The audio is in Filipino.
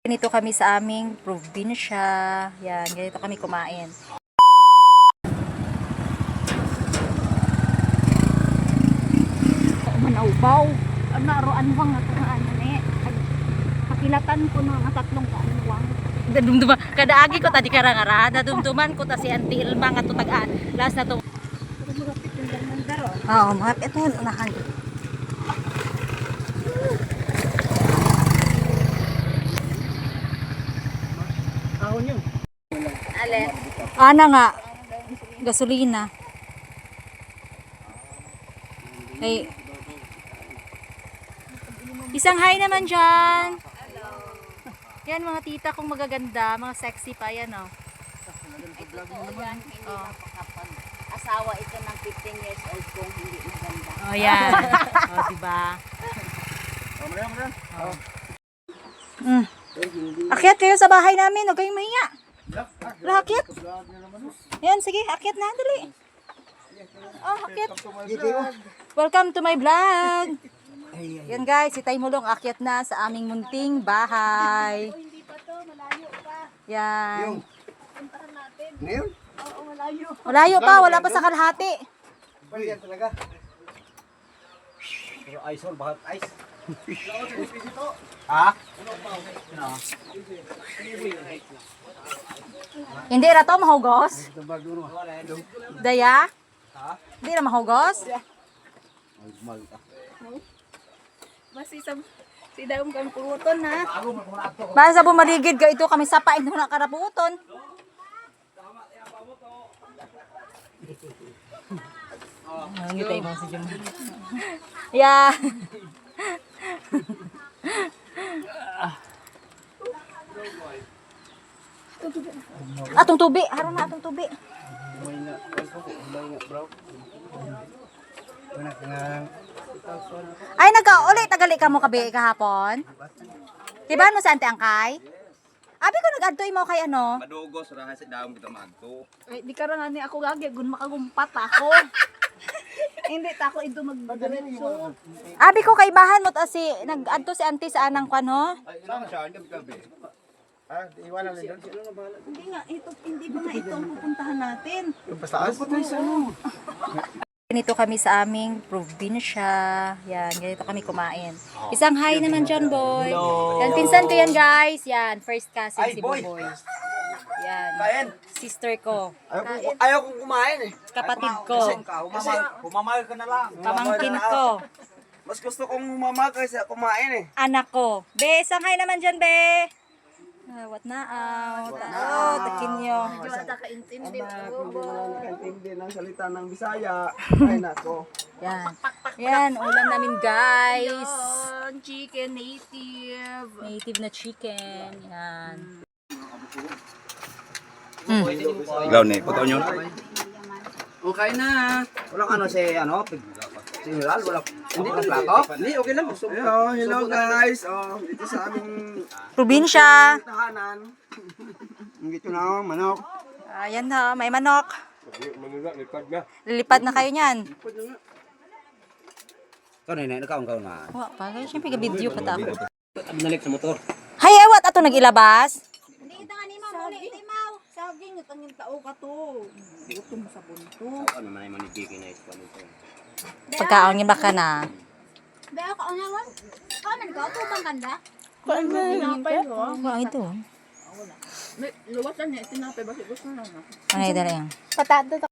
Ganito kami sa aming probinsya. Yan, ganito kami kumain. Manaubaw. Naroan wang nga kung ano eh. Pakilatan ko no nga tatlong kaanwang. Dadumduma, kada agi ko tadi karangara, dadumduman ko ta si Auntie Ilma nga to tagaan. Last na to. Oo, mga ito unahan. Ahon yun. Ale. Ana nga, gasolina. Ay, isang hi naman dyan. Yan mga tita kong magaganda, mga sexy pa yan oh. Asawa ito ng 15 years old kung hindi maganda. Oh yan. Oh, diba? Mm. Akyat kayo sa bahay namin, huwag kayong mahiya. Akyat. Yan, sige, akyat na, dali. Oh, akyat. Welcome to my vlog. Yan guys, si Tay Mulong akyat na sa aming munting bahay. Hindi pa to, malayo pa. Yan. Puntahan natin. Ngayon? Oo, malayo. Malayo pa, wala pa sa kalahati. Yan talaga. Pero ice or bahat ice. Ha? Hindi ra to mahugos. Daya? Hindi ra mahugos. Mas isang si daong kang puruton ha. Basta bumaligid ka ito kami sapain mo na karaputon. Ang tayo mo si Jum. Yeah. Atong tubi, haron na atong tubi. Ay nagka-uli tagali ka mo kabi kahapon. Diba no sa Ante Angkay? Abi ko nag-adto imo kay ano? Madugos ra sa daom kita magto. Ay, di karon ani ako gagi gun makagumpat ako. Hindi ta ako ito magdiretso. Abi ko kay bahan mo si nag-adto si Auntie sa anang kwan ho. Ay, ilan siya ang gabi. Ha? Iwanan lang doon. Sino na bahala? Hindi nga ito hindi ba nga ito ang pupuntahan natin. Yung pastaas? Ganito kami sa aming probinsya. Yan, ganito kami kumain. Isang hi naman dyan, boy. Yan, pinsan ko yan, guys. Yan, first cousin si Boy. Yan, Kain. sister ko. Ayaw kong kumain eh. Kapatid ko. Kasi humamahal ka na lang. Pamangkin ko. Mas gusto kong humamahal kaysa kumain eh. Anak ko. Be, isang hi naman dyan, be. What na out? Oh, takin nyo. Medyo ata kaintindi Hindi po. nakakaintindi ng salita ng Bisaya. Ay nako. Yan. Yan, ulam namin, guys. Yun, chicken native. Native na chicken. Yan. Ilaw ni, puto nyo. Okay na. Walang ano si General, wala. Hindi ka plato? Hindi, okay lang. Hello guys. Dito sa aming Probinsya. tahanan. Dito na manok. Ayan na, may manok. Lilipad na kayo niyan. Ikaw na, ikaw na. Wa pa, kaya siyempre ka-video pa ako. Binalik sa motor. Hay, awat ato nag-ilabas. Hindi ita nga ni Mau, uli iti Mau. Saging itang yung tao ka to. Gutom sa bunto. Ano man ay manigigil na ito nito. Pagkaon ba ka na? Be ako ang naman. Kanan ka to bang ganda? Kuan na. Tinapay ko. Kuan ito. May luwas lang niya tinapay basi gusto na. Ano yung dala yan? Patado